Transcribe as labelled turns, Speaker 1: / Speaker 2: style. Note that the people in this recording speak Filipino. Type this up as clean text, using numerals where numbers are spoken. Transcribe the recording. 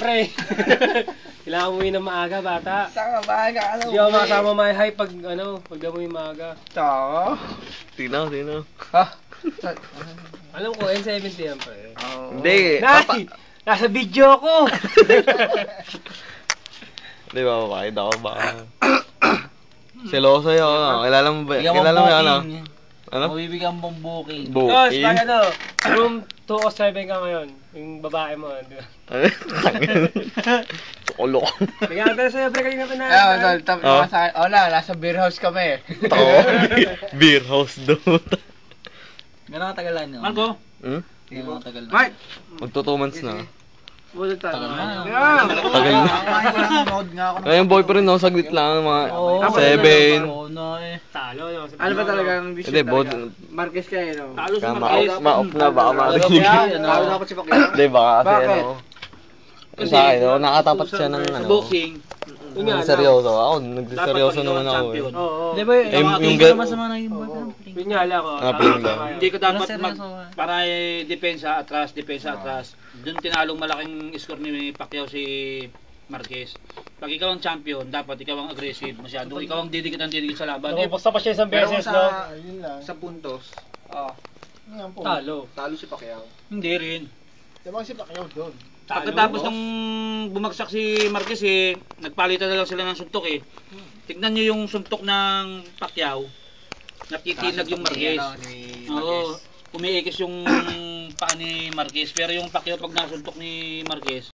Speaker 1: Pre, kailangan umuwi ng maaga, bata.
Speaker 2: Saka maaga,
Speaker 1: Hindi ako makasama my high pag umuwi maaga.
Speaker 2: Tsaka?
Speaker 3: Tinaw.
Speaker 2: Ha?
Speaker 1: Alam ko, N70 yan, pre.
Speaker 3: Hindi.
Speaker 1: Nay! Nasa video ko!
Speaker 3: Di ba, papakita ko ba? Seloso yun, ano? Kilala mo ba? Kilala mo yun, ano? Ano?
Speaker 4: Mabibigyan mong booking.
Speaker 1: Tapos, pag room 207 ka ngayon, yung babae mo, di ba?
Speaker 3: Solo.
Speaker 1: Bigyan ka sa'yo, pre, kanina pa na.
Speaker 2: Nasa beer house kami.
Speaker 3: Tako. Beer house doon.
Speaker 4: Gano'ng katagal yun?
Speaker 1: Marco?
Speaker 4: Gano'ng katagal na?
Speaker 1: Mike!
Speaker 3: Magto 2 months na.
Speaker 1: Bulot tayo.
Speaker 4: Tagal na.
Speaker 3: Tagal na.
Speaker 4: Nanood nga ako.
Speaker 3: Ngayon boyfriend no, saglit lang, mga 7.
Speaker 1: Talo, no?
Speaker 2: Ano ba talagang
Speaker 3: Hindi,
Speaker 2: Marquez kayo, no?
Speaker 1: Talo si
Speaker 3: ma-off
Speaker 1: Marquez.
Speaker 3: ma-off na, baka marinig.
Speaker 2: Talo dapat si Pacquiao.
Speaker 3: Hindi, baka kasi
Speaker 2: Bakit?
Speaker 3: ano. Sa akin, no, nakatapat siya ng ano.
Speaker 4: Boxing.
Speaker 1: Yun nga,
Speaker 3: Seryoso. Ako, nagseryoso naman ako eh.
Speaker 1: Oo.
Speaker 4: Di ba
Speaker 3: yung
Speaker 4: masama na yung boyfriend?
Speaker 1: Yun nga lang,
Speaker 3: Pling lang.
Speaker 5: Hindi ko dapat
Speaker 4: seryoso.
Speaker 5: para depensa atras. Doon tinalong malaking score ni Pacquiao si Marquez. Pag ikaw ang champion, dapat ikaw ang aggressive masyado. Ikaw ang didikit sa laban.
Speaker 1: Basta pa siya isang beses, no?
Speaker 2: Sa puntos,
Speaker 1: Talo.
Speaker 2: talo si Pacquiao.
Speaker 5: Hindi rin.
Speaker 2: Diba si Pacquiao doon?
Speaker 5: Pagkatapos nung bumagsak si Marquez nagpalitan na lang sila ng suntok Tignan nyo yung suntok ng Pacquiao. Natitinag yung Marquez. Oo. Umiikis yung paa ni Marquez. Pero yung Pacquiao pag nasuntok ni Marquez,